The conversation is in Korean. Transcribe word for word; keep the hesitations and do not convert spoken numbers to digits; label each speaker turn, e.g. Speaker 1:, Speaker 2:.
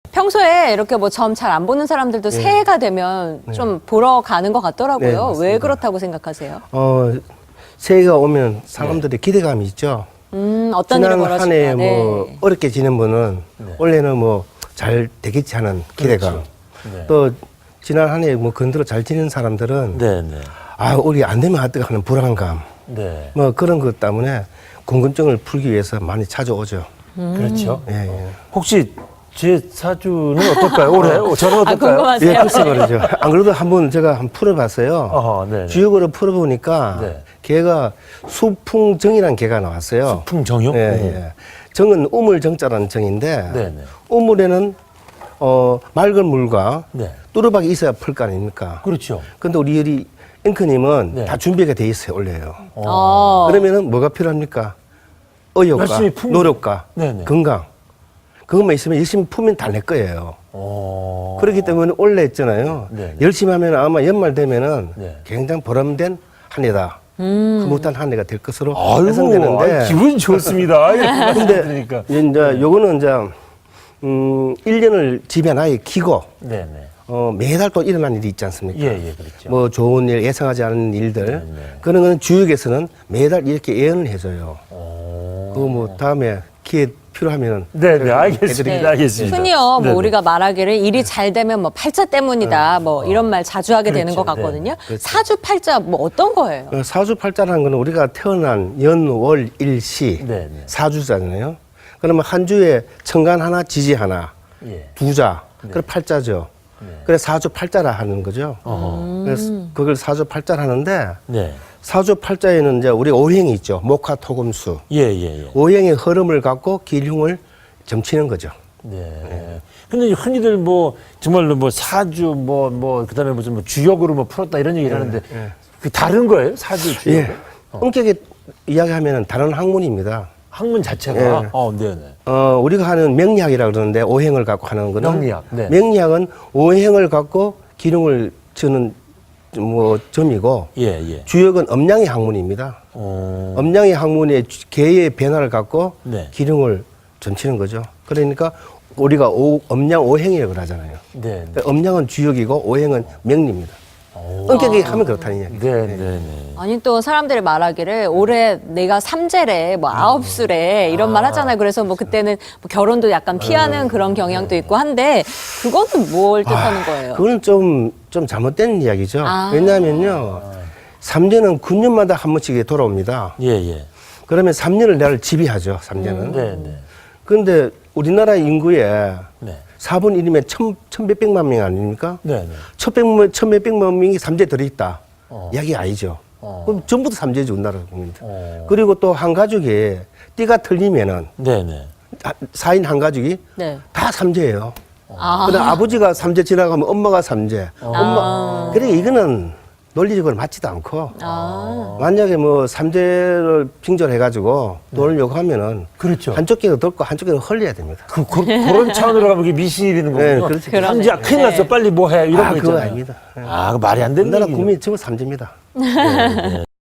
Speaker 1: 평소에 이렇게 뭐 점 잘 안 보는 사람들도
Speaker 2: 네.
Speaker 1: 새해가 되면
Speaker 2: 네.
Speaker 1: 좀 보러 가는 것
Speaker 2: 네,
Speaker 1: 같더라고요.
Speaker 2: 맞습니다.
Speaker 1: 왜 그렇다고 생각하세요?
Speaker 2: 어, 새해가 오면 사람들이 기대감이 있죠.
Speaker 1: 음, 어떤 일을
Speaker 2: 지난 한
Speaker 1: 벌어질까?
Speaker 2: 해 뭐
Speaker 1: 네.
Speaker 2: 어렵게 지낸 분은 올해는 뭐 잘 되겠지 하는 기대감.
Speaker 3: 네.
Speaker 2: 또 지난 한 해 뭐 건드려 잘 지낸 사람들은
Speaker 3: 네, 네.
Speaker 2: 아, 우리 안 되면 어떡하 하는 불안감.
Speaker 3: 네.
Speaker 2: 뭐 그런 것 때문에 궁금증을 풀기 위해서 많이 찾아오죠.
Speaker 3: 그렇죠.
Speaker 2: 예, 예.
Speaker 3: 혹시 제 사주는 어떨까요? 올해? 저는
Speaker 1: 아,
Speaker 3: 어떨까요?
Speaker 1: 궁금하세요?
Speaker 2: 예, 글쎄 말이죠. 안 그래도 한번 제가 한번 풀어봤어요.
Speaker 3: 어허, 네.
Speaker 2: 주역으로 풀어보니까
Speaker 3: 네.
Speaker 2: 개가 수풍정이라는 개가 나왔어요.
Speaker 3: 풍정요?
Speaker 2: 예, 예. 정은 우물정자라는 정인데
Speaker 3: 네, 네.
Speaker 2: 우물에는 어, 맑은 물과
Speaker 3: 네.
Speaker 2: 뚜루박이 있어야 풀 거 아닙니까?
Speaker 3: 그렇죠.
Speaker 2: 근데 우리 우리 앵커님은
Speaker 3: 네.
Speaker 2: 다 준비가 돼 있어요, 원래요.
Speaker 1: 어.
Speaker 2: 그러면은 뭐가 필요합니까? 의욕과
Speaker 3: 열심히 품-
Speaker 2: 노력과
Speaker 3: 네네.
Speaker 2: 건강. 그것만 있으면 열심히 품면 다 내 거예요.
Speaker 3: 어.
Speaker 2: 그렇기 때문에 원래 했잖아요.
Speaker 3: 네네.
Speaker 2: 열심히 하면 아마 연말 되면은
Speaker 3: 네.
Speaker 2: 굉장히 보람된 한 해다. 흐뭇한 한 해가 될 것으로
Speaker 3: 아이고,
Speaker 2: 예상되는데.
Speaker 3: 아이, 기분 좋습니다.
Speaker 2: 근데
Speaker 3: 그러니까.
Speaker 2: 이제 요거는 이제 음, 일 년을 집에 나에 키고
Speaker 3: 네, 네.
Speaker 2: 어, 매달 또 일어난 일이 있지 않습니까?
Speaker 3: 예, 예, 그렇죠.
Speaker 2: 뭐 좋은 일, 예상하지 않은 일들.
Speaker 3: 네.
Speaker 2: 그런 거는 주역에서는 매달 이렇게 예언을 해줘요.
Speaker 3: 어.
Speaker 2: 그거 뭐 다음에 기회 필요하면은
Speaker 3: 네, 네, 알겠습니다.
Speaker 1: 네.
Speaker 3: 알겠습니다.
Speaker 1: 흔히요, 뭐
Speaker 3: 네, 네.
Speaker 1: 우리가 말하기를 일이 잘 되면 뭐 팔자 때문이다, 뭐 이런 말 자주 하게 되는
Speaker 3: 그렇죠.
Speaker 1: 것 같거든요.
Speaker 2: 네. 그렇죠.
Speaker 1: 사주 팔자 뭐 어떤 거예요?
Speaker 2: 어, 사주팔자라는 거는 우리가 태어난 연, 월, 일, 시
Speaker 3: 네, 네.
Speaker 2: 사주잖아요. 그러면 한 주에 천간 하나, 지지 하나,
Speaker 3: 예.
Speaker 2: 두자, 그래 팔자죠. 그래 사주팔자라 하는 거죠. 그래서 그걸 사주팔자라 하는데
Speaker 3: 네.
Speaker 2: 사주팔자에는 이제 우리 오행이 있죠. 목화, 토금수.
Speaker 3: 예, 예, 예.
Speaker 2: 오행의 흐름을 갖고 기흉을 점치는 거죠.
Speaker 3: 네. 근데 흔히들 뭐 정말로 뭐 사주 뭐 뭐 그다음에 무슨 뭐 주역으로 뭐 풀었다 이런 얘기를 하는데 그 다른 거예요? 사주 주역?
Speaker 2: 예. 엄격히 이야기하면 다른 학문입니다.
Speaker 3: 학문 자체가
Speaker 2: 예.
Speaker 3: 어, 네, 네.
Speaker 2: 어, 우리가 하는 명리학이라고 그러는데 오행을 갖고 하는 거는
Speaker 3: 명리학, 네.
Speaker 2: 명리학은 오행을 갖고 기능을 주는 뭐 점이고
Speaker 3: 예, 예.
Speaker 2: 주역은 음양의 학문입니다.
Speaker 3: 어.
Speaker 2: 음양의 학문의 주- 개의 변화를 갖고
Speaker 3: 네.
Speaker 2: 기능을 점치는 거죠. 그러니까 우리가 오, 음양 오행이라고 하잖아요.
Speaker 3: 네. 네.
Speaker 2: 그러니까 음양은 주역이고 오행은 명리입니다. 엄격히 하면 그렇다는 이야기.
Speaker 3: 네, 네, 네.
Speaker 1: 아니 또 사람들이 말하기를 올해 내가 삼재래 뭐 아홉 수래 이런 말 하잖아요. 그래서 뭐 그때는 뭐 결혼도 약간 피하는 그런 경향도 있고 한데 그거는 뭘 뜻하는 거예요?
Speaker 2: 그거는 좀, 좀 잘못된 이야기죠.
Speaker 1: 아.
Speaker 2: 왜냐하면요. 삼재는 구 년마다 한 번씩 돌아옵니다.
Speaker 3: 예, 예.
Speaker 2: 그러면 삼 년을 나를 지배하죠, 삼재는.
Speaker 3: 네, 네.
Speaker 2: 그런데 우리나라 인구의
Speaker 3: 네.
Speaker 2: 사분의 일이면 천, 천몇백만 명 아닙니까?
Speaker 3: 네, 네.
Speaker 2: 천백만, 천몇백만 명이 삼재 들어있다.
Speaker 3: 어.
Speaker 2: 이야기 아니죠.
Speaker 3: 어.
Speaker 2: 그럼 전부 다 삼재죠, 우리나라 국민들.
Speaker 3: 어.
Speaker 2: 그리고 또 한 가족이 띠가 틀리면은
Speaker 3: 네, 네.
Speaker 2: 사 인 한 가족이
Speaker 1: 네.
Speaker 2: 다 삼재예요.
Speaker 1: 아.
Speaker 2: 그다음 아버지가 삼재 지나가면 엄마가 삼재. 엄마. 그래 이거는 논리적으로 맞지도 않고.
Speaker 1: 아.
Speaker 2: 만약에 뭐 삼재를 빙절해가지고 돈을 요구하면은
Speaker 3: 그렇죠.
Speaker 2: 한쪽 귀가 덜고 한쪽 귀가 흘려야 됩니다.
Speaker 3: 그, 그, 그런 차원으로 가면 이게 미신이 되는 거군요.
Speaker 2: 네, 그렇죠.
Speaker 1: 그러네.
Speaker 3: 삼지야 큰일 났어.
Speaker 1: 네.
Speaker 3: 빨리 뭐 해. 이런
Speaker 2: 아,
Speaker 3: 거
Speaker 2: 그거
Speaker 3: 있잖아요.
Speaker 2: 아닙니다.
Speaker 3: 아, 그 말이 안 되는
Speaker 2: 우리나라
Speaker 3: 얘기죠.
Speaker 2: 국민이 전부 삼재입니다.
Speaker 3: 네, 네.